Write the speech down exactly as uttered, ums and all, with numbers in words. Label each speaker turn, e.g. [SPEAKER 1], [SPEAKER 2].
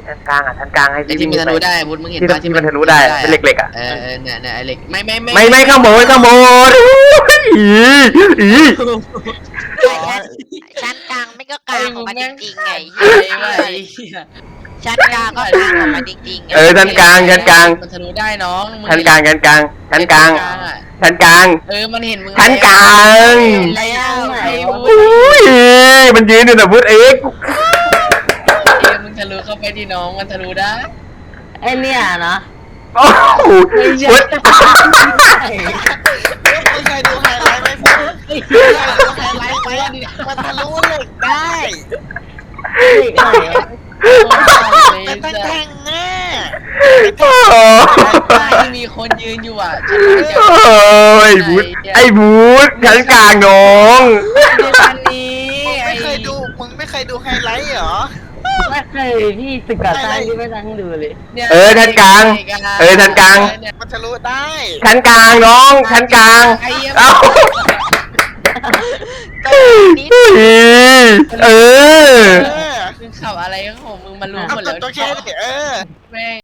[SPEAKER 1] ชั้นกลางอ่ะชั้นกลางให้
[SPEAKER 2] ไอ้
[SPEAKER 1] พี่
[SPEAKER 2] ที่มันทะลุได้วุฒิมึงเห็น
[SPEAKER 1] ที่
[SPEAKER 2] ป่ะ
[SPEAKER 1] ที่มันทะลุได้เป็นเหล็กๆอ่ะ
[SPEAKER 2] เออเนี่ยเนี่ยไอ้เหล็กไม่ไม่
[SPEAKER 1] ไม่ไม่ข้างบนข้างบนอีอี
[SPEAKER 3] ชั้นกลางไม่ก็กลางออกมาจริงๆไง
[SPEAKER 2] ไอ้ไอ้
[SPEAKER 3] ชั้นกลางก็กลางออกมาจริงๆ
[SPEAKER 1] เออชั้นกลางชั้นกลาง
[SPEAKER 2] มันทะลุได้น้อง
[SPEAKER 1] ชั้นกลางชั้นกลางชั้นกลางชั้นกลาง
[SPEAKER 2] เออมันเห็นมึง
[SPEAKER 1] ชั้นกลาง
[SPEAKER 2] แล้วไอ้วุ
[SPEAKER 1] อุ้ยมันยืนอยู่นะพุทธเอ็ก
[SPEAKER 2] ฒิมึงทะลุเข้าไปที่น้องมันทะลุได้
[SPEAKER 4] ไอเนี่ยนะ
[SPEAKER 1] โอ้โหพุทธ
[SPEAKER 5] ไม่เคยดูไฮไลท์ไหมพี่ไม่เคยดูไฮไลท์ไหมมันทะลุเหล็กได้ แต่ตั้งแทงแน่
[SPEAKER 1] โอ้
[SPEAKER 2] ที่มีคนยืนอยู่อ่ะ
[SPEAKER 1] ยพุทธไอ้พุทธชั้นกลางน้อง
[SPEAKER 2] ชั้นนี้
[SPEAKER 5] มึงไม่เคยดูมึงไม่เคยดูไฮไลท์เหรอ
[SPEAKER 4] ไม่เคยพี่ศึกษาใต้ที่ไม่ตั้งดูเลย
[SPEAKER 1] เออชั้นกลางเออชั้นกลาง
[SPEAKER 5] มันทะลุได้
[SPEAKER 1] ชั้นกลางน้องชั้นกลางเอ้าเออ
[SPEAKER 5] เออ
[SPEAKER 2] มึงขับอะไรของมึงมารู้
[SPEAKER 5] เอา
[SPEAKER 2] หมด
[SPEAKER 5] ก
[SPEAKER 2] แล้
[SPEAKER 5] ด
[SPEAKER 2] ว
[SPEAKER 5] ตัวแค่เออ
[SPEAKER 2] แม่